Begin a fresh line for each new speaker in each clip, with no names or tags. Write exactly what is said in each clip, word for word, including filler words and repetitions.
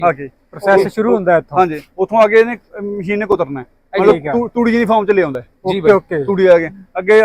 ਆਗੇ ਪ੍ਰੋਸੈਸ ਸ਼ੁਰੂ ਹੁੰਦਾ ਇੱਥੋਂ। ਹਾਂਜੀ, ਉੱਥੋਂ ਅੱਗੇ ਇਹਨੇ ਮਸ਼ੀਨ ਨੇ ਕੁਤਰਨਾ ਹੈ, ਮਤਲਬ ਤੂੜੀ ਦੀ ਫਾਰਮ ਚ ਲਿਆਉਂਦਾ।
ਓਕੇ ਓਕੇ,
ਤੂੜੀ ਆ ਗਿਆ ਅੱਗੇ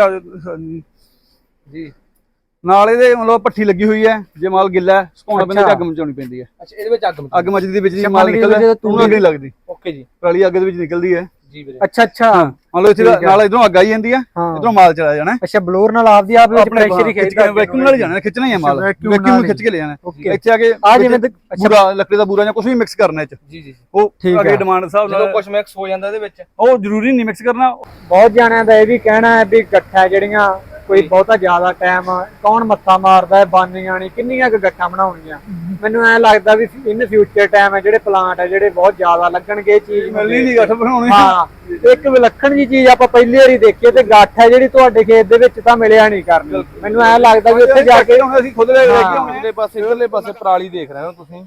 ਜੀ। ਨਾਲ ਇਹਦੇ ਮਤਲਬ ਭੱਠੀ ਲੱਗੀ ਹੋਈ ਹੈ, ਜੇ ਮਾਲ ਗਿੱਲਾ ਸੁਕਾਉਣਾ ਪੈਂਦਾ, ਅੱਗ ਮਚਾਉਣੀ ਪੈਂਦੀ ਹੈ।
ਅੱਛਾ, ਇਹਦੇ ਵਿੱਚ ਅੱਗ
ਅੱਗ ਮਚਦੀ ਦੇ ਵਿੱਚ ਜੀ ਮਾਲ ਨਿਕਲਦਾ, ਤੂੜੀ ਅੱਗ ਨਹੀਂ ਲੱਗਦੀ।
ਓਕੇ ਜੀ,
ਪਰਾਲੀ ਅੱਗ ਦੇ ਵਿੱਚ ਨਿਕਲਦੀ ਹੈ ਜੀ ਵੀਰੇ।
ਅੱਛਾ ਅੱਛਾ,
ਮਤਲਬ ਇੱਥੇ ਨਾਲ ਇਧਰੋਂ ਅੱਗ ਆਈ ਜਾਂਦੀ ਹੈ, ਇਧਰੋਂ ਮਾਲ ਚਲਾ ਜਾਣਾ।
ਅੱਛਾ, ਬਲੋਰ ਨਾਲ ਆਪਦੀ ਆਪ ਵਿੱਚ ਪ੍ਰੈਸ਼ਰ ਹੀ ਖਿੱਚਦਾ,
ਵੈਕਿਊਮ ਨਾਲ ਜਾਣਾ, ਖਿੱਚਣਾ ਹੀ ਹੈ ਮਾਲ, ਵੈਕਿਊਮ ਖਿੱਚ ਕੇ ਲੈ ਜਾਣਾ। ਇੱਥੇ ਆ ਕੇ ਆ ਜਿਵੇਂ ਬੂਰਾ, ਲੱਕੜੀ ਦਾ ਬੂਰਾ ਜਾਂ ਕੁਝ ਵੀ ਮਿਕਸ ਕਰਨਾ ਇਹ ਚ ਜੀ ਜੀ, ਉਹ ਅੱਗੇ ਡਿਮਾਂਡ ਹਿਸਾਬ ਨਾਲ
ਕੁਝ ਮਿਕਸ ਹੋ ਜਾਂਦਾ ਇਹਦੇ ਵਿੱਚ,
ਉਹ ਜ਼ਰੂਰੀ ਨਹੀਂ ਮਿਕਸ ਕਰਨਾ।
ਬਹੁਤ ਜਾਣਿਆਂ ਦਾ ਇਹ ਵੀ ਕਹਿਣਾ ਹੈ ਵੀ ਗੱਠਾਂ ਜਿਹੜੀਆਂ ਕੋਈ ਬਹੁਤਾ ਜ਼ਿਆਦਾ ਟਾਈਮ ਕੌਣ ਮੱਥਾ ਮਾਰਦਾ ਹੈ, ਬਾਨੀਆਂ ਨਹੀਂ ਕਿੰਨੀਆਂ ਕੁ ਗੱਠਾਂ ਬਣਾਉਣੀਆਂ। ਮੈਨੂੰ ਐ ਲੱਗਦਾ ਵੀ ਇਨ ਫਿਊਚਰ ਟਾਈਮ ਹੈ ਜਿਹੜੇ ਪਲਾਂਟ ਹੈ ਜਿਹੜੇ ਬਹੁਤ ਜ਼ਿਆਦਾ ਲੱਗਣਗੇ, ਇਹ ਚੀਜ਼
ਮਿਲਣੀ ਨਹੀਂ ਗੱਠ ਬਣਾਉਣੀ।
ਹਾਂ, ਇੱਕ ਵਿਲੱਖਣ ਜੀ ਚੀਜ਼ ਆਪਾਂ ਪਹਿਲੀ ਵਾਰੀ ਦੇਖੀ ਤੇ ਗੱਠ ਹੈ ਜਿਹੜੀ ਤੁਹਾਡੇ ਖੇਤ ਦੇ ਵਿੱਚ ਤਾਂ ਮਿਲਿਆ ਨਹੀਂ ਕਰਨੀ। ਮੈਨੂੰ ਐ ਲੱਗਦਾ ਵੀ ਉੱਥੇ ਜਾ ਕੇ
ਅਸੀਂ ਖੁਦ ਲੈ ਕੇ ਆਉਂਦੇ।
ਇਧਰਲੇ ਪਾਸੇ ਇਧਰਲੇ ਪਾਸੇ ਪਰਾਲੀ ਦੇਖ ਰਹੇ ਹੋ ਤੁਸੀਂ,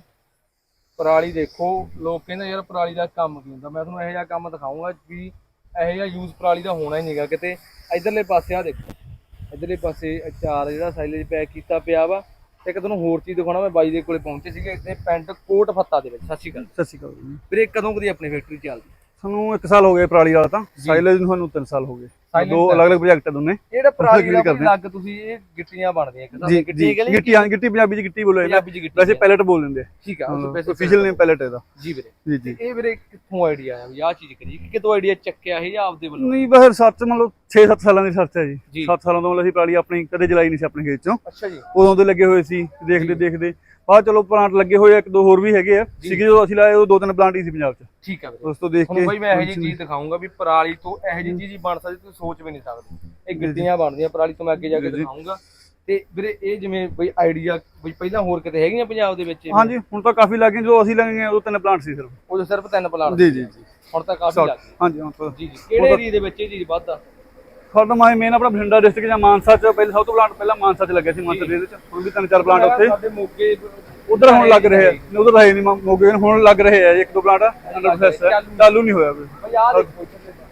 ਪਰਾਲੀ ਦੇਖੋ। ਲੋਕ ਕਹਿੰਦੇ ਯਾਰ ਪਰਾਲੀ ਦਾ ਕੰਮ ਕੀ ਹੁੰਦਾ, ਮੈਂ ਤੁਹਾਨੂੰ ਇਹੋ ਜਿਹਾ ਕੰਮ ਦਿਖਾਊਂਗਾ ਵੀ ਇਹੋ ਜਿਹਾ ਯੂਜ਼ ਪਰਾਲੀ ਦਾ ਹੋਣਾ ਹੀ ਨਹੀਂਗਾ ਕਿਤੇ। ਇਧਰਲੇ ਪਾਸੇ ਆ ਦੇਖੋ, ਇਧਰਲੇ ਪਾਸੇ ਅਚਾਰ ਜਿਹੜਾ ਸਾਈਲੇਜ ਪੈਕ ਕੀਤਾ ਪਿਆ ਵਾ। ਤੇ ਇੱਕ ਤੁਹਾਨੂੰ ਹੋਰ ਚੀਜ਼ ਦਿਖਾਉਣਾ, ਮੈਂ ਬਾਈ ਦੇ ਕੋਲੇ ਪਹੁੰਚੇ ਸੀਗੇ ਇੱਥੇ ਪਿੰਡ ਕੋਟ ਫੱਤਾ ਦੇ ਵਿੱਚ। ਸਤਿ ਸ਼੍ਰੀ ਅਕਾਲ।
ਸਤਿ ਸ਼੍ਰੀ ਅਕਾਲ
ਵੀਰੇ, ਕਦੋਂ ਕਦੀ ਆਪਣੀ ਫੈਕਟਰੀ ਚੱਲਦੀ?
ਸਾਨੂੰ ਇੱਕ ਸਾਲ ਹੋ ਗਏ ਪਰਾਲੀ ਵਾਲਾ, ਤਾਂ ਸਾਈਲੇਜ ਨੂੰ ਸਾਨੂੰ ਤਿੰਨ ਸਾਲ ਹੋ ਗਏ। ਦੋ ਅਲੱਗ ਅਲੱਗ ਪ੍ਰੋਜੈਕਟ ਹੈ ਦੋਨੇ।
ਜਿਹੜਾ ਪਰਾਲੀ ਦਾ ਲੱਗ ਤੁਸੀਂ ਇਹ ਗਿੱਟੀਆਂ ਬਣਦੀਆਂ ਇੱਕ ਤਾਂ ਗਿੱਟੀ ਕਹਿੰਦੇ,
ਗਿੱਟੀ ਹਾਂ, ਗਿੱਟੀ ਪੰਜਾਬੀ ਚ ਗਿੱਟੀ ਬੋਲੋ, ਵੈਸੇ ਪੈਲਟ ਬੋਲ ਦਿੰਦੇ ਆ।
ਠੀਕ ਆ,
ਅਫੀਸ਼ੀਅਲ ਨੇਮ ਪੈਲਟ ਇਹਦਾ
ਜੀ ਵੀਰੇ।
ਜੀ ਜੀ।
ਇਹ ਵੀਰੇ ਕਿੱਥੋਂ ਆਈਡੀਆ ਆਇਆ ਵੀ ਆਹ ਚੀਜ਼ ਕਰੀ, ਕਿਤੋਂ ਆਈਡੀਆ ਚੱਕਿਆ ਇਹ ਜਾਂ ਆਪਦੇ ਵੱਲੋਂ?
ਨਹੀਂ, ਬਸ ਸਰਚ ਮਤਲਬ ਛੇ ਸੱਤ ਸਾਲਾਂ ਦੀ ਸਰਚ ਹੈ ਜੀ। ਸੱਤ ਸਾਲਾਂ ਤੋਂ ਮਤਲਬ ਅਸੀਂ ਪਰਾਲੀ ਆਪਣੀ ਕਦੇ ਜਲਾਈ ਨਹੀਂ ਸੀ ਆਪਣੇ ਖੇਤ ਚੋਂ।
ਅੱਛਾ ਜੀ।
ਉਦੋਂ ਦੇ ਲੱਗੇ ਹੋਏ ਸੀ, ਦੇਖਦੇ ਦੇਖਦੇ ਬਾਅਦ ਚਲੋ ਪਲਾਂਟ ਲੱਗੇ ਹੋਏ, ਇੱਕ ਦੋ ਹੋਰ ਵੀ ਹੈਗੇ ਆ ਸੀਗੇ ਜਦੋਂ ਅਸੀਂ ਲਾਏ, ਉਹ ਦੋ ਤਿੰਨ ਪਲਾਂਟ ਹੀ ਸੀ ਪੰਜਾਬ ਚ।
ਠੀਕ ਆ ਵੀਰੇ,
ਉਸ ਤੋਂ ਦੇਖ ਕੇ
ਬਾਈ ਮੈਂ ਇਹੋ ਜਿਹੀ ਚੀਜ਼ ਦਿਖਾਊਂਗਾ ਵੀ ਪਰਾਲੀ ਤੋਂ ਇਹੋ ਜਿਹੀ ਚੀਜ਼ ਬਣ ਸਕਦੀ, ਤੁਸੀਂ ਸੋਚ ਵੀ ਨਹੀਂ ਸਕਦੇ। ਇਹ ਗਿੱਟੀਆਂ ਬਣਦੀਆਂ ਪਰਾਲੀ ਤੋਂ, ਮੈਂ ਅੱਗੇ ਜਾ ਕੇ ਦਿਖਾਊਂਗਾ। ਤੇ ਵੀਰੇ ਇਹ ਜਿਵੇਂ ਬਈ ਆਈਡੀਆ ਬਈ ਪਹਿਲਾਂ ਹੋਰ ਕਿਤੇ ਹੈਗੀਆਂ ਪੰਜਾਬ ਦੇ ਵਿੱਚ?
ਹਾਂਜੀ, ਹੁਣ ਤਾਂ ਕਾਫੀ ਲੱਗ ਗਏ। ਜਦੋਂ ਅਸੀਂ ਲੱਗੇ ਉਦੋਂ ਤਿੰਨ ਪਲਾਂਟ ਸੀ ਸਿਰਫ,
ਉਦੋਂ ਸਿਰਫ ਤਿੰਨ ਪਲਾਂਟ
ਜੀ ਜੀ ਜੀ।
ਹੁਣ ਤਾਂ ਕਾਫੀ ਲੱਗ ਗਏ।
ਹਾਂਜੀ ਹੁਣ ਤਾਂ
ਜੀ ਜੀ। ਕਿਹੜੇ ਏਰੀਆ ਦੇ ਵਿੱਚ ਇਹ ਚੀਜ਼ ਵੱਧਦਾ?
ਸਾਡਾ ਮਾਈ ਮੇਨ ਆਪਣਾ ਬਠਿੰਡਾ ਡਿਸਟ੍ਰਿਕਟ ਜਾਂ ਮਾਨਸਾ ਚ ਪਹਿਲਾਂ ਸਭ ਤੋਂ ਪਲਾਂਟ ਪਹਿਲਾਂ ਮਾਨਸਾ ਚ ਲੱਗਿਆ ਸੀ। ਮਾਨਸਾ ਦੇ ਵਿੱਚ ਹੁਣ ਵੀ ਤਿੰਨ ਚਾਰ ਪਲਾਂਟ ਉੱਥੇ
ਸਾਡੇ ਮੋਗੇ
ਉਧਰ ਹੁਣ ਲੱਗ ਰਹੇ ਆ, ਉਧਰ ਹੈ ਨਹੀਂ ਮੋਗੇ, ਹੁਣ ਲੱਗ ਰਹੇ ਆ ਇੱਕ ਦੋ ਪਲਾਂਟ ਅੰਡਰ ਪ੍ਰੋਸੈਸ ਹੈ, ਚਾਲੂ ਨਹੀਂ ਹੋਇਆ ਕੋਈ।
ਬਈ ਆਹ ਦੇਖੋ,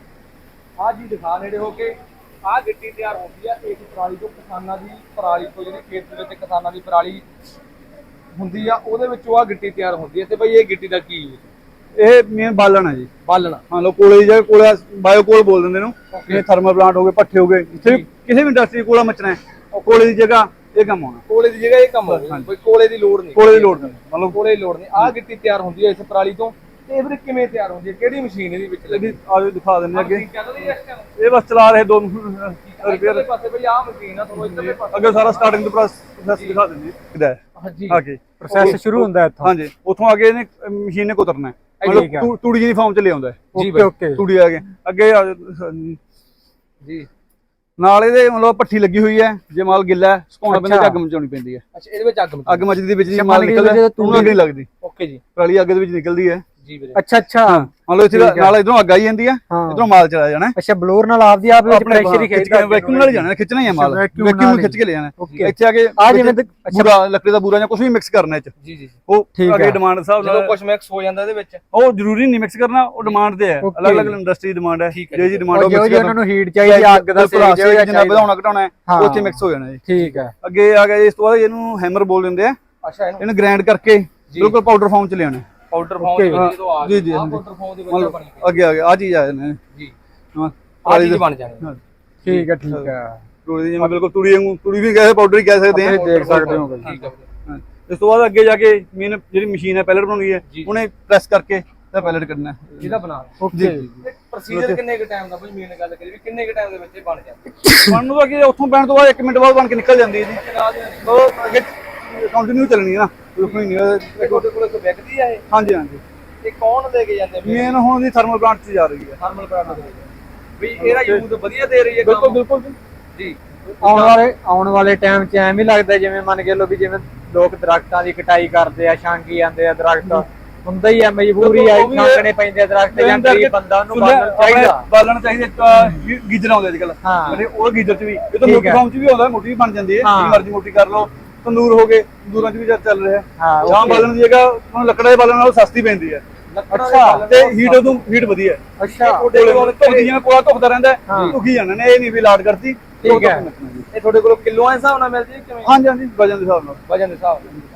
ਆਹ ਜੀ ਦਿਖਾ ਨੇੜੇ ਹੋ ਕੇ, ਆਹ ਗਿੱਟੀ ਤਿਆਰ ਹੁੰਦੀ ਆ ਇਸ ਪਰਾਲੀ ਤੋਂ। ਕਿਸਾਨਾਂ ਦੀ ਪਰਾਲੀ ਤੋਂ, ਜਿਹੜੀ ਖੇਤ ਦੇ ਵਿੱਚ ਕਿਸਾਨਾਂ ਦੀ ਪਰਾਲੀ ਹੁੰਦੀ ਆ, ਉਹਦੇ ਵਿੱਚੋਂ ਆਹ ਗਿੱਟੀ ਤਿਆਰ ਹੁੰਦੀ ਹੈ। ਤੇ ਬਈ ਇਹ ਗਿੱਟੀ ਦਾ ਕੀ ਯੂਜ਼? ਇਹ
ਮੇਨ ਬਾਲਣ ਹੈ ਜੀ,
ਬਾਲਣ।
ਮੰਨ ਲਓ ਕੋਲੇ ਦੀ ਜਗ੍ਹਾ ਕੋਲਾ ਬਾਇਓ ਕੋਲ ਬੋਲ ਦਿੰਦੇ ਨੂੰ, ਇਹ ਥਰਮਲ ਪਲਾਂਟ ਹੋ ਗਏ, ਪੱਠੇ ਹੋ ਗਏ, ਇੱਥੇ ਕਿਸੇ ਵੀ ਇੰਡਸਟਰੀ ਕੋਲਾ ਮਚਣਾ ਹੈ, ਕੋਲੇ ਦੀ ਜਗ੍ਹਾ ਇਹ ਕੰਮ ਹੋਣਾ।
ਕੋਲੇ ਦੀ ਜਗ੍ਹਾ ਇਹ ਕੰਮ ਹੋਣਾ, ਕੋਈ ਕੋਲੇ ਦੀ ਲੋੜ ਨਹੀਂ।
ਕੋਲੇ ਦੀ ਲੋੜ ਨਹੀਂ,
ਮਤਲਬ ਕੋਲੇ ਦੀ ਲੋੜ ਨਹੀਂ। ਆਹ ਗਿੱਟੀ ਤਿਆਰ ਹੁੰਦੀ ਹੈ ਇਸ ਪਰਾਲੀ ਤੋਂ। ਤੇ ਇਹ ਵੀਰੇ ਕਿਵੇਂ ਤਿਆਰ ਹੁੰਦੀ ਹੈ, ਕਿਹੜੀ ਮਸ਼ੀਨ ਇਹਦੇ ਵਿੱਚ ਲੱਗੀ?
ਆਜੋ ਦਿਖਾ ਦਿੰਦੇ ਅੱਗੇ। ਇਹ ਬਸ ਚਲਾ ਰਹੇ ਦੋ
ਰਿਪੇਅਰ ਪਾਸੇ ਬਈ ਆਹ ਮਸ਼ੀਨ ਆ, ਤੁਹਾਨੂੰ ਇੱਧਰਲੇ ਪਾਸੇ
ਅੱਗੇ ਸਾਰਾ ਸਟਾਰਟਿੰਗ ਤੋਂ ਪ੍ਰੋਸੈਸ ਦਿਖਾ ਦਿੰਦੇ ਕਿਦਾ ਹੈ।
ਹਾਂਜੀ,
ਆਗੇ
ਪ੍ਰੋਸੈਸ ਸ਼ੁਰੂ ਹੁੰਦਾ ਇੱਥੋਂ।
ਹਾਂਜੀ, ਉੱਥੋਂ ਅੱਗੇ ਇਹਨੇ ਮਸ਼ੀਨ ਨੇ ਕੁਤਰਨਾ ਹੈ, ਮਤਲਬ ਤੂੜੀ ਦੀ ਫਾਰਮ ਚ ਲਿਆਉਂਦਾ।
ਓਕੇ ਓਕੇ,
ਤੂੜੀ ਆ ਗਿਆ ਅੱਗੇ
ਜੀ।
ਨਾਲ ਇਹਦੇ ਮਤਲਬ ਭੱਠੀ ਲੱਗੀ ਹੋਈ ਹੈ, ਜੇ ਮਾਲ ਗਿੱਲਾ ਸੁਕਾਉਣਾ ਪੈਂਦਾ, ਅੱਗ ਮਚਾਉਣੀ ਪੈਂਦੀ ਹੈ।
ਅੱਛਾ, ਇਹਦੇ ਵਿੱਚ ਅੱਗ
ਅੱਗ ਮਚਦੀ ਦੇ ਵਿੱਚ ਜੀ ਮਾਲ ਨਿਕਲਦਾ, ਤੂੜੀ ਅੱਗ ਨਹੀਂ ਲੱਗਦੀ।
ਓਕੇ ਜੀ,
ਪਰਾਲੀ ਅੱਗ ਦੇ ਵਿੱਚ ਨਿਕਲਦੀ ਹੈ
ਜੀ ਵੀਰੇ।
ਅੱਛਾ ਅੱਛਾ,
ਮਤਲਬ ਇੱਥੇ ਨਾਲ ਇਧਰੋਂ ਅੱਗ ਆਈ ਜਾਂਦੀ ਹੈ, ਇਧਰੋਂ ਮਾਲ ਚਲਾ ਜਾਣਾ।
ਅੱਛਾ, ਬਲੋਰ ਨਾਲ ਆਪਦੀ ਆਪ ਵਿੱਚ ਪ੍ਰੈਸ਼ਰ ਹੀ ਖਿੱਚਦਾ,
ਵੈਕਿਊਮ ਨਾਲ ਜਾਣਾ, ਖਿੱਚਣਾ ਹੀ ਹੈ ਮਾਲ, ਵੈਕਿਊਮ ਖਿੱਚ ਕੇ ਲੈ ਜਾਣਾ। ਇੱਥੇ ਆ ਕੇ
ਆ ਜਿਵੇਂ
ਬੂਰਾ, ਲੱਕੜੀ ਦਾ ਬੂਰਾ ਜਾਂ ਕੁਝ ਵੀ ਮਿਕਸ ਕਰਨਾ ਇਹ ਚ
ਜੀ ਜੀ,
ਉਹ ਅੱਗੇ ਡਿਮਾਂਡ ਹਿਸਾਬ ਨਾਲ
ਕੁਝ ਮਿਕਸ ਹੋ ਜਾਂਦਾ ਇਹਦੇ ਵਿੱਚ,
ਉਹ ਜ਼ਰੂਰੀ ਨਹੀਂ ਮਿਕਸ ਕਰਨਾ, ਉਹ ਡਿਮਾਂਡ ਤੇ ਹੈ, ਅਲੱਗ ਅਲੱਗ ਇੰਡਸਟਰੀ ਡਿਮਾਂਡ ਹੈ। ਜੇ ਜੀ ਡਿਮਾਂਡ
ਜੋ ਉਹਨਾਂ ਨੂੰ ਹੀਟ ਚਾਹੀਦੀ, ਅੱਗ ਦਾ
ਸੇਕ ਜਿੰਨਾ ਵਧਾਉਣਾ ਘਟਾਉਣਾ ਹੈ, ਉੱਥੇ ਮਿਕਸ ਹੋ ਜਾਣਾ ਜੀ।
ਠੀਕ ਹੈ।
ਅੱਗੇ ਆ ਗਿਆ ਇਸ ਤੋਂ ਬਾਅਦ ਇਹਨੂੰ ਹੈਮਰ ਬੋਲ ਦਿੰਦੇ ਆ।
ਅੱਛਾ,
ਇਹਨੂੰ ਗ੍ਰਾਈਂਡ ਕਰਕੇ ਬਿਲਕੁਲ ਪਾਊਡਰ ਫਾਰਮ ਚ ਲਿਆਉਣਾ।
ਪਾਊਡਰ ਫਾਰਮ ਦੇ ਵਿੱਚ ਜਦੋਂ ਆ
ਜੀ ਜੀ,
ਪਾਊਡਰ ਫਾਰਮ ਦੇ ਵਿੱਚ ਬਣੀ
ਅੱਗੇ ਆ ਗਿਆ ਆ ਚੀਜ਼ ਆ ਜਾਣਾ ਜੀ।
ਹਾਂ, ਆ ਚੀਜ਼ ਬਣ ਜਾਣੀ।
ਠੀਕ ਹੈ ਠੀਕ ਹੈ।
ਤੂੜੀ ਦੀ ਜਿਵੇਂ ਬਿਲਕੁਲ ਤੂੜੀ ਵਾਂਗੂ, ਤੂੜੀ ਵੀ ਕਹੇ ਪਾਊਡਰ ਹੀ ਕਹਿ ਸਕਦੇ ਆ,
ਦੇਖ ਸਕਦੇ ਹੋ।
ਠੀਕ ਹੈ।
ਇਸ ਤੋਂ ਬਾਅਦ ਅੱਗੇ ਜਾ ਕੇ ਮੇਨ ਜਿਹੜੀ ਮਸ਼ੀਨ ਹੈ ਪੈਲਟ ਬਣਾਉਣੀ ਹੈ, ਉਹਨੇ ਪ੍ਰੈਸ ਕਰਕੇ ਤਾਂ ਪੈਲਟ ਕੱਢਣਾ
ਜਿਹਦਾ ਬਣਾ।
ਓਕੇ,
ਪ੍ਰੋਸੀਜਰ ਕਿੰਨੇ ਕ ਟਾਈਮ ਦਾ ਬਈ ਮੇਨ ਗੱਲ ਕਰੀ ਵੀ ਕਿੰਨੇ ਕ ਟਾਈਮ ਦੇ ਵਿੱਚ ਇਹ ਬਣ ਜਾਂਦਾ?
ਬਣਨ ਨੂੰ ਅੱਗੇ ਉੱਥੋਂ ਪੈਣ ਤੋਂ ਬਾਅਦ ਇੱਕ ਮਿੰਟ ਬਾਅਦ ਬਣ ਕੇ ਨਿਕਲ ਜਾਂਦੀ ਹੈ ਜੀ। ਉਹ ਅੱਗੇ ਕੰਟੀਨਿਊ ਚੱਲਣੀ ਹੈ ਨਾ, ਰੁਕਣੀ ਨਹੀਂ।
ਤੁਹਾਡੇ ਕੋਲ ਕੋਈ ਵਿਕਦੀ ਆ ਇਹ?
ਹਾਂਜੀ ਹਾਂਜੀ।
ਇਹ ਕੌਣ ਲੈ ਕੇ ਜਾਂਦੇ?
ਮੇਨ ਹੁਣ ਦੀ ਥਰਮਲ ਪਲਾਂਟ 'ਚ ਜਾ ਰਹੀ ਹੈ।
ਥਰਮਲ ਪਲਾਂਟ ਦੇ ਵੀ ਇਹਦਾ ਯੂਜ਼ ਵਧੀਆ ਦੇ ਰਹੀ ਹੈ।
ਬਿਲਕੁਲ ਬਿਲਕੁਲ
ਜੀ।
ਆਉਣ ਵਾਲੇ ਆਉਣ ਵਾਲੇ ਟਾਈਮ 'ਚ ਐਵੇਂ ਲੱਗਦਾ ਜਿਵੇਂ ਮੰਨ ਕੇ ਲੋ ਵੀ ਜਿਵੇਂ ਲੋਕ ਦਰਖਤਾਂ ਦੀ ਕਟਾਈ ਕਰਦੇ ਆ, ਛਾਂਗੀ ਜਾਂਦੇ ਆ ਦਰਖਤ, ਹੁੰਦਾ ਹੀ ਆ, ਮਜਬੂਰੀ ਆ, ਛਾਂਗਣੇ ਪੈਂਦੇ ਦਰਖਤ, ਜਾਂ ਗਰੀਬ ਬੰਦਾ ਉਹਨੂੰ ਬਾਲਣ ਚਾਹੀਦਾ।
ਬਾਲਣ ਚਾਹੀਦਾ। ਗੀਜ਼ਰ ਆਉਂਦੇ ਅੱਜ ਕੱਲ, ਉਹ ਗੀਜ਼ਰ 'ਚ ਵੀ ਇਹ ਤਾਂ ਮੋਟੀ ਫਾਰਮ 'ਚ ਵੀ ਆਉਂਦਾ, ਮੋਟੀ ਵੀ ਬਣ ਜਾਂਦੀ ਹੈ, ਜਿੰਨੀ ਮਰਜ਼ੀ ਮੋਟੀ ਕਰ ਲਓ। ਤੰਦੂਰ ਹੋ ਗਏ, ਤੰਦੂਰਾਂ 'ਚ ਵੀ ਚੱਲ ਰਿਹਾ। ਜਾਂ ਬਾਲਣ ਦੀ ਜਗ੍ਹਾ ਹੁਣ ਲੱਕੜਾਂ ਦੇ ਬਾਲਣ ਨਾਲੋਂ ਸਸਤੀ ਪੈਂਦੀ ਹੈ। ਅੱਛਾ, ਤੇ ਹੀਟ ਉਦੋਂ ਹੀਟ ਵਧੀਆ।
ਅੱਛਾ,
ਜਿਵੇਂ ਕੋਲਾ ਧੁੱਪਦਾ ਰਹਿੰਦਾ, ਧੁੱਕੀ ਜਾਣਾ ਨੇ, ਇਹ ਨਹੀਂ ਵੀ ਲਾਟ ਕਰਤੀ।
ਠੀਕ ਹੈ। ਇਹ ਤੁਹਾਡੇ ਕੋਲ ਕਿਲੋਆਂ ਦੇ ਹਿਸਾਬ ਨਾਲ ਮਿਲਦੀ ਹੈ ਕਿਵੇਂ?
ਹਾਂਜੀ ਹਾਂਜੀ, ਵਜਨ ਦੇ ਹਿਸਾਬ ਨਾਲ।
ਵਜਨ ਦੇ ਹਿਸਾਬ ਨਾਲ।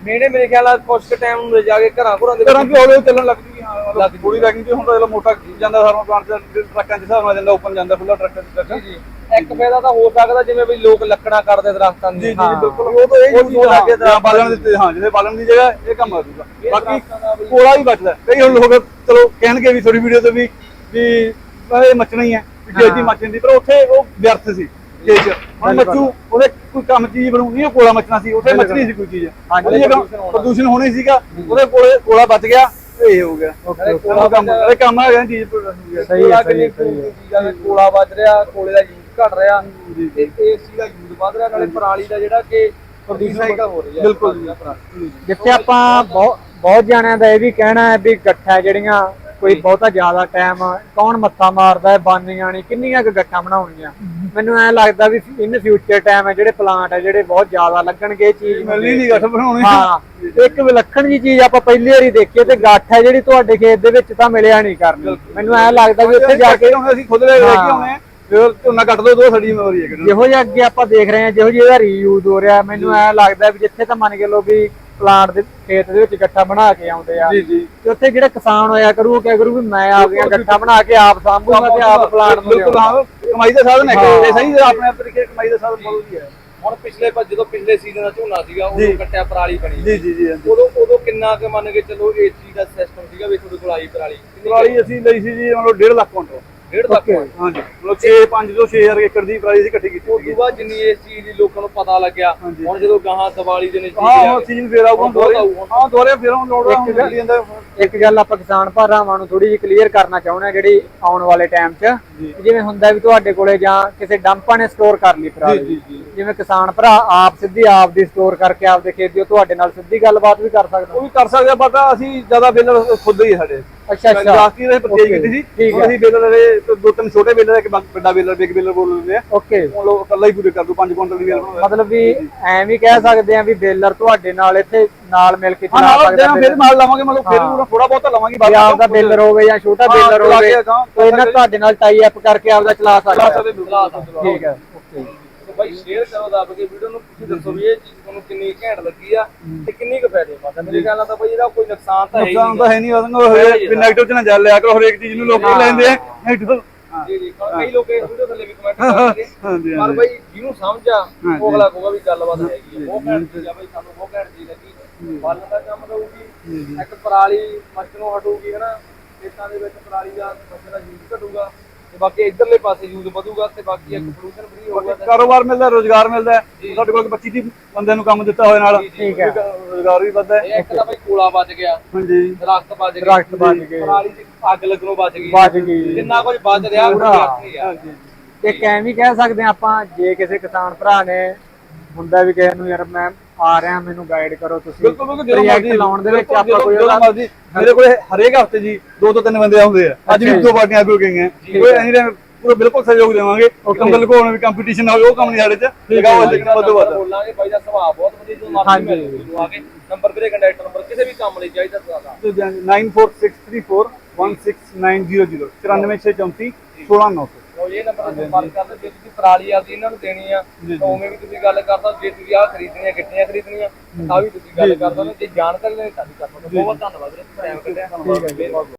ਮੇਨੇ ਮੇਰੇ ਖਿਆਲ ਨਾਲ ਕੁਝ ਕੁ ਟਾਈਮ ਨੂੰ ਜਾ ਕੇ ਘਰਾਂ ਘਰਾਂ ਦੇ
ਘਰਾਂ 'ਚ ਹੌਲੀ ਹੌਲੀ ਚੱਲਣ ਲੱਗ ਜੂਗੀ। ਹਾਂ ਮਤਲਬ ਥੋੜੀ ਰੈਕਿੰਗ 'ਚ ਹੁਣ ਤਾਂ ਚਲੋ ਮੋਟਾ ਜਾਂਦਾ ਸਾਰਾ ਪਲਾਂਟ 'ਚ ਟਰੱਕਾਂ 'ਚ ਹਿਸਾਬ ਨਾਲ ਜਾਂਦਾ, ਓਪਨ ਜਾਂਦਾ ਖੁੱਲਾ ਟਰੱਕਾਂ 'ਚ ਟਰੱਕ।
ਜੀ ਇੱਕ ਫਾਇਦਾ ਤਾਂ ਹੋ ਸਕਦਾ ਜਿਵੇਂ ਵੀ ਲੋਕ ਲੱਕੜਾਂ ਕੱਟਦੇ ਦਰਖਤਾਂ
ਜੀ
ਦੀ।
ਜੀ ਬਿਲਕੁਲ, ਉਹ ਤਾਂ ਇਹ ਯੂਜ਼ ਲੱਗੇ ਤਾਂ ਬਾਲਣ ਦਿੱਤੇ। ਹਾਂ ਜਿਹਦੇ ਬਾਲਣ ਦੀ ਜਗ੍ਹਾ ਇਹ ਕੰਮ ਆ ਜੂਗਾ। ਬਾਕੀ ਕੋਲਾ ਵੀ ਬਚਦਾ। ਕਈ ਹੁਣ ਲੋਕ ਚਲੋ ਕਹਿਣਗੇ ਵੀ ਥੋੜੀ ਵੀਡੀਓ ਤੇ ਵੀ ਵੀ ਇਹ ਮੱਚਣਾ ਹੀ ਹੈ, ਖੇਤ ਦੀ ਮੱਚ ਜਾਂਦੀ, ਪਰ ਉੱਥੇ ਉਹ ਵਿਅਰਥ ਸੀ ਖੇਤ 'ਚ। ਹੁਣ ਮੱਚੂ ਉਹਦੇ ਕੋਈ ਕੰਮ ਚੀਜ਼ ਬਣਾਉਣੀ, ਉਹ ਕੋਲਾ ਮੱਚਣਾ ਸੀ, ਉੱਥੇ ਮੱਚਣੀ ਸੀ ਕੋਈ ਚੀਜ਼। ਉਹਦੀ ਜਗ੍ਹਾ ਪ੍ਰਦੂਸ਼ਣ ਹੋਣੀ ਸੀਗਾ, ਉਹਦੇ ਕੋਲੇ ਕੋਲਾ ਬਚ ਗਿਆ, ਇਹ ਹੋ ਗਿਆ ਕੋਲਾ ਕੰਮ। ਇਹ ਕੰਮ ਆ ਗਿਆ ਚੀਜ਼
ਸਹੀ ਹੈ, ਸਹੀ ਹੈ।
ਕੋਲਾ ਵੱਜ ਰਿਹਾ, ਕੋਲੇ ਦਾ ਯੂਜ਼ ਘਟ ਰਿਹਾ ਤੇ ਇਸ ਚੀਜ਼ ਦਾ ਯੂਜ਼ ਵੱਧ ਰਿਹਾ, ਨਾਲੇ ਪਰਾਲੀ ਦਾ ਜਿਹੜਾ ਕਿ ਰੀਸਾਈਕਲ ਹੋ ਰਹੀ ਹੈ।
ਬਿਲਕੁਲ।
ਜਿੱਥੇ ਆਪਾਂ ਬਹੁਤ ਬਹੁਤ ਜਾਣਿਆਂ ਦਾ ਇਹ ਵੀ ਕਹਿਣਾ ਹੈ ਵੀ ਗੱਠਾਂ ਜਿਹੜੀਆਂ ਕੋਈ ਬਹੁਤਾ ਜ਼ਿਆਦਾ ਟਾਈਮ ਕੌਣ ਮੱਥਾ ਮਾਰਦਾ ਹੈ, ਬਾਨੀਆਂ ਨਹੀਂ ਕਿੰਨੀਆਂ ਕੁ ਗੱਠਾਂ ਬਣਾਉਣੀਆਂ। ਮੈਨੂੰ ਐ ਲੱਗਦਾ ਵੀ ਇਨ ਫਿਊਚਰ ਟਾਈਮ ਹੈ ਜਿਹੜੇ ਪਲਾਂਟ ਹੈ ਜਿਹੜੇ ਬਹੁਤ ਜ਼ਿਆਦਾ ਲੱਗਣਗੇ ਇਹ ਚੀਜ਼
ਮਿਲਣੀ ਨਹੀਂ ਗੱਠ ਬਣਾਉਣੀ।
ਹਾਂ, ਇੱਕ ਵਿਲੱਖਣ ਜੀ ਚੀਜ਼ ਆਪਾਂ ਪਹਿਲੀ ਵਾਰੀ ਦੇਖੀ ਤੇ ਗੱਠ ਹੈ ਜਿਹੜੀ ਤੁਹਾਡੇ ਖੇਤ ਦੇ ਵਿੱਚ ਤਾਂ ਮਿਲਿਆ ਨਹੀਂ ਕਰਨੀ। ਮੈਨੂੰ ਐ ਲੱਗਦਾ ਵੀ ਉੱਥੇ ਜਾ ਕੇ
ਅਸੀਂ ਖੁਦ ਲੈ ਕੇ ਆਉਣੇ, ਫਿਰ ਝੋਨਾ ਕੱਟ ਦੋ, ਦੋ ਸਾਡੀ ਜ਼ਿੰਮੇਵਾਰੀ ਹੈ।
ਜਿਹੋ ਜਿਹਾ ਅੱਗੇ ਆਪਾਂ ਦੇਖ ਰਹੇ ਹਾਂ, ਜਿਹੋ ਜਿਹਾ ਇਹਦਾ ਰੀਯੂਜ਼ ਹੋ ਰਿਹਾ, ਮੈਨੂੰ ਐ ਲੱਗਦਾ ਵੀ ਜਿੱਥੇ ਤਾਂ ਮੰਨ ਕੇ ਲੋ ਵੀ ਪਲਾਂਟ ਦੇ ਖੇਤ ਦੇ ਵਿੱਚ ਗੱਠਾ ਬਣਾ ਕੇ ਆਉਂਦੇ ਆ,
ਜੀ ਜੀ,
ਤੇ ਉੱਥੇ ਜਿਹੜਾ ਕਿਸਾਨ ਹੋਇਆ ਕਰੂ ਉਹ ਕਿਆ ਕਰੂ ਵੀ ਮੈਂ ਆਪਦੀਆਂ ਗੱਠਾ ਬਣਾ ਕੇ ਆਪ ਸਾਂਭੂਗਾ ਤੇ ਆਪ ਪਲਾਂਟ ਨੂੰ
ਬਿਲਕੁਲ। ਹਾਂ ਕਮਾਈ ਦਾ ਸਾਧਨ ਹੈ, ਇਹ ਸਹੀ ਆਪਣੇ ਤਰੀਕੇ ਕਮਾਈ ਦਾ ਸਾਧਨ ਬਹੁਤ ਵਧੀਆ ਹੈ।
ਹੁਣ ਪਿਛਲੇ ਜਦੋਂ ਪਿਛਲੇ ਸੀਜ਼ਨ ਦਾ ਝੋਨਾ ਸੀਗਾ ਉਦੋਂ ਕੱਟਿਆ ਪਰਾਲੀ ਬਣੀ।
ਜੀ ਜੀ ਜੀ।
ਉਦੋਂ ਉਦੋਂ ਕਿੰਨਾ ਕੁ ਮੰਨ ਕੇ ਚਲੋ ਇਸ ਚੀਜ਼ ਦਾ ਸਿਸਟਮ ਸੀਗਾ ਵੀ ਤੁਹਾਡੇ ਕੋਲ ਆਈ ਪਰਾਲੀ?
ਪਰਾਲੀ ਅਸੀਂ ਲਈ ਸੀ ਜੀ ਮਤਲਬ ਡੇਢ ਲੱਖ ਕੁਇੰਟਲ।
ਡੇਢ ਲੱਖ?
ਹਾਂਜੀ ਮਤਲਬ ਛੇ ਪੰਜ ਤੋਂ ਛੇ ਹਜ਼ਾਰ ਏਕੜ ਦੀ ਪਰਾਲੀ ਅਸੀਂ ਇਕੱਠੀ ਕੀਤੀ
ਉਸ ਤੋਂ ਬਾਅਦ ਜਿੰਨੀ ਇਸ ਚੀਜ਼ ਦੀ ਲੋਕਾਂ ਨੂੰ ਪਤਾ ਲੱਗਿਆ, ਹੁਣ ਜਦੋਂ ਗਾਹਾਂ ਦੀਵਾਲੀ ਦੇ ਨਜ਼ਦੀਕ
ਹਾਂ ਸੀਜ਼ਨ ਫੇਰ ਆਊਗਾ ਦੁਬਾਰੇ। ਹਾਂ ਦੁਬਾਰੇ ਫੇਰ ਹੁਣ ਲੋੜ ਹੁੰਦੀ ਜਾਂਦਾ।
ਇੱਕ ਗੱਲ ਆਪਾਂ ਕਿਸਾਨ ਭਰਾਵਾਂ ਨੂੰ ਥੋੜੀ ਜਿਹੀ ਕਲੀਅਰ ਕਰਨਾ ਚਾਹੁੰਦੇ ਆ ਜਿਹੜੀ ਆਉਣ ਵਾਲੇ ਟਾਈਮ 'ਚ ਜਿਵੇਂ ਹੁੰਦਾ ਵੀ ਤੁਹਾਡੇ ਕੋਲੇ ਜਾਂ ਕਿਸੇ ਡੰਪਾਂ ਨੇ ਸਟੋਰ ਕਰ ਲਈ ਪਰਾਲੀ, ਜਿਵੇਂ ਕਿਸਾਨ ਭਰਾ ਆਪ ਸਿੱਧੀ ਆਪ ਦੀ ਸਟੋਰ ਕਰਕੇ ਆਪਦੇ ਖੇਤ ਦੀ ਤੁਹਾਡੇ ਨਾਲ ਸਿੱਧੀ ਗੱਲਬਾਤ ਵੀ ਕਰ ਸਕਦੇ।
ਉਹ ਵੀ ਕਰ ਸਕਦੇ ਆ, ਪਤਾ ਅਸੀਂ ਜ਼ਿਆਦਾ ਬੇਲਰ ਖੁਦ ਹੀ ਸਾਡੇ।
ਅੱਛਾ ਅੱਛਾ,
ਲਾਸਟ ਈਅਰ ਪਰਚੇਜ ਕੀਤੀ ਸੀ, ਅਸੀਂ ਬੇਲਰ ਦੇ ਦੋ ਤਿੰਨ ਛੋਟੇ ਬੇਲਰ ਇੱਕ ਵੱਡਾ ਬੇਲਰ ਬਿਗ ਬੇਲਰ ਬੋਲ ਲੈਂਦੇ ਆ।
ਓਕੇ,
ਉਹ ਲੋਕ ਇਕੱਲਾ ਹੀ ਪੂਰੇ ਕਰ ਦੋ ਪੰਜ ਕੁਇੰਟਲ ਦੀ ਬੇਲਰ ਬਣਾਉਂਦਾ।
ਮਤਲਬ ਵੀ ਐਂ ਵੀ ਕਹਿ ਸਕਦੇ ਆ ਵੀ ਬੇਲਰ ਤੁਹਾਡੇ ਨਾਲ ਇੱਥੇ ਨਾਲ ਮਿਲ ਕੇ
ਹਾਂ ਨਾਲ ਜਾਂ ਫਿਰ ਨਾਲ ਲਾਵਾਂਗੇ, ਮਤਲਬ ਫਿਰ ਥੋੜਾ ਬਹੁਤਾ ਲਾਵਾਂਗੇ।
ਬਾਕੀ ਆਪਦਾ ਬੇਲਰ ਹੋਵੇ ਜਾਂ ਛੋਟਾ ਬੇਲਰ ਹੋਵੇ ਕੋਈ ਨਾ ਤੁਹਾਡੇ ਨਾਲ ਟਾਈ ਅਪ ਕਰਕੇ ਆਪਦਾ ਚਲਾ ਸਕਦੇ। ਠੀਕ ਹੈ, ਓਕੇ
ਬਾਈ ਸ਼ੇਅਰ ਕਰੋ ਦੱਬ ਕੇ ਵੀਡੀਓ ਨੂੰ, ਤੁਸੀਂ ਦੱਸੋ ਵੀ ਇਹ ਚੀਜ਼ ਤੁਹਾਨੂੰ ਕਿੰਨੀ ਘੈਂਟ ਲੱਗੀ ਆ ਤੇ ਕਿੰਨੀ ਕੁ ਫਾਇਦੇਮੰਦ ਆ। ਮੇਰੇ ਖਿਆਲ ਨਾਲ ਤਾਂ ਬਾਈ ਇਹਦਾ ਕੋਈ ਨੁਕਸਾਨ ਤਾਂ ਹੈ ਹੀ
ਨੁਕਸਾਨ ਤਾਂ ਹੈ ਨਹੀਂ, ਉਹਨੂੰ ਨੈਗੇਟਿਵ ਚ ਨਾ ਜਾ ਲਿਆ ਕਰੋ, ਹਰੇਕ ਚੀਜ਼ ਨੂੰ ਲੋਕ ਲੈਂਦੇ ਆ ਨੈਗੇਟਿਵ।
ਜੀ ਜੀ, ਕਈ ਲੋਕ ਇਸ ਵੀਡੀਓ ਥੱਲੇ ਵੀ ਕਮੈਂਟ ਕਰਦੇ ਪਰ ਬਾਈ ਜਿਹਨੂੰ ਸਮਝ ਆ ਉਹ ਅਗਲਾ ਕਹੂਗਾ ਵੀ ਗੱਲਬਾਤ ਹੈਗੀ ਆ। ਬਹੁਤ ਘੈਂਟ ਚੀਜ਼ ਆ ਬਾਈ, ਸਾਨੂੰ ਬਹੁਤ ਘੈਂਟ ਚੀਜ਼ ਲੱਗੀ। ਬਾਲਣ ਦਾ ਕੰਮ ਦਊਗੀ, ਇੱਕ ਪਰਾਲੀ ਮੱਚਣੋਂ ਹਟੂਗੀ ਹਨਾ, ਖੇਤਾਂ ਦੇ ਵਿੱਚ ਪਰਾਲੀ ਦਾ ਮੱਚ ਦਾ ਯੂਜ਼ ਘਟੂਗਾ ਤੇ ਬਾਕੀ ਇਧਰਲੇ ਪਾਸੇ ਯੂਜ਼ ਵਧੂਗਾ ਤੇ ਬਾਕੀ ਇੱਕ ਪੋਲੂਸ਼ਨ ਫ੍ਰੀ ਹੋਊਗਾ,
ਕਾਰੋਬਾਰ ਮਿਲਦਾ, ਰੋਜ਼ਗਾਰ ਮਿਲਦਾ। ਸਾਡੇ ਕੋਲ ਪੱਚੀ ਤੀਹ ਬੰਦਿਆਂ ਨੂੰ ਕੰਮ ਦਿੱਤਾ ਹੋਇਆ ਨਾਲ,
ਠੀਕ ਹੈ,
ਰੋਜ਼ਗਾਰ ਵੀ ਵੱਧਦਾ।
ਇੱਕ ਤਾਂ ਬਾਈ ਕੋਲਾ ਬਚ ਗਿਆ,
ਹਾਂਜੀ
ਦਰਖਤ ਬਚ ਗਏ,
ਦਰਖਤ ਬਚ ਗਏ,
ਪਰਾਲੀ ਚ ਅੱਗ ਲੱਗਣੋਂ ਬਚ ਗਈ,
ਬਚ ਗਈ,
ਜਿੰਨਾ ਕੁਝ ਬਚ ਰਿਹਾ ਉਹ ਨਹੀਂ ਆ।
ਇੱਕ ਐਂ ਵੀ ਕਹਿ ਸਕਦੇ ਆ ਆਪਾਂ, ਜੇ ਕਿਸੇ ਕਿਸਾਨ ਭਰਾ ਨੇ ਹੁੰਦਾ ਵੀ ਕਿਸੇ ਨੂੰ ਯਾਰ ਮੈਂ ਆ ਰਿਹਾ ਮੈਨੂੰ ਗਾਈਡ ਕਰੋ ਤੁਸੀਂ,
ਬਿਲਕੁਲ ਬਿਲਕੁਲ ਜਦੋਂ ਮਰਜ਼ੀ
ਲਾਉਣ ਦੇ ਵਿੱਚ ਆਪਾਂ ਕੋਈ
ਜਦੋਂ ਮਰਜ਼ੀ ਮੇਰੇ ਕੋਲ ਹਰੇਕ ਹਫਤੇ ਜੀ ਦੋ ਤੋਂ ਤਿੰਨ ਬੰਦੇ ਆਉਂਦੇ ਆ। ਅੱਜ ਵੀ ਦੋ ਪਾਰਟੀਆਂ ਹੋ ਗਈਆਂ, ਕੋਈ ਐਨੀ ਟਾਈਮ ਪੂਰਾ ਬਿਲਕੁਲ ਸਹਿਯੋਗ ਦੇਵਾਂਗੇ। ਕੰਬਲ ਕੋਣ ਵੀ ਕੰਪੀਟੀਸ਼ਨ ਨਾ ਹੋਵੇ ਉਹ ਕੰਮ ਨਹੀਂ ਸਾਡੇ ਚ ਲਗਾਓ। ਲੇਕਿਨ ਵੱਧ ਵੱਧ
ਬੋਲਾਂਗੇ ਬਾਈ ਦਾ ਸੁਭਾਅ ਬਹੁਤ ਵਧੀਆ, ਜਦੋਂ ਮਰਜ਼ੀ ਮਿਲ ਲਓ ਆ ਕੇ। ਨੰਬਰ ਵੀਰੇ ਕੰਟੈਕਟ ਨੰਬਰ ਕਿਸੇ ਵੀ ਕੰਮ ਲਈ ਚਾਹੀਦਾ ਤੁਹਾਡਾ
nine four six three four one six nine zero zero ਚੁਰਾਨਵੇਂ ਛੇ ਚੌਂਤੀ ਸੋਲਾਂ ਨੌ ਸੌ।
ਇਹ ਨੰਬਰ ਤੇ ਸੰਪਰਕ ਕਰਦੇ। ਜੇ ਤੁਸੀਂ ਪਰਾਲੀ ਆਦੀ ਇਹਨਾਂ ਨੂੰ ਦੇਣੀ ਆ ਤਾਂ ਉਵੇਂ ਵੀ ਤੁਸੀਂ ਗੱਲ ਕਰ ਸਕਦੇ। ਜੇ ਤੁਸੀਂ ਆਹ ਖਰੀਦਣੀਆਂ ਗਿੱਟੀਆਂ ਖਰੀਦਣੀਆਂ ਤਾਂ ਵੀ ਤੁਸੀਂ ਗੱਲ ਕਰ ਸਕਦੇ। ਜੇ ਜਾਣਕਾਰੀ ਲੈਣੀ ਤਾਂ ਵੀ ਕਰ ਸਕਦੇ। ਬਹੁਤ ਬਹੁਤ ਧੰਨਵਾਦ ਵੀਰੇ, ਟਾਈਮ ਕੱਢਿਆ।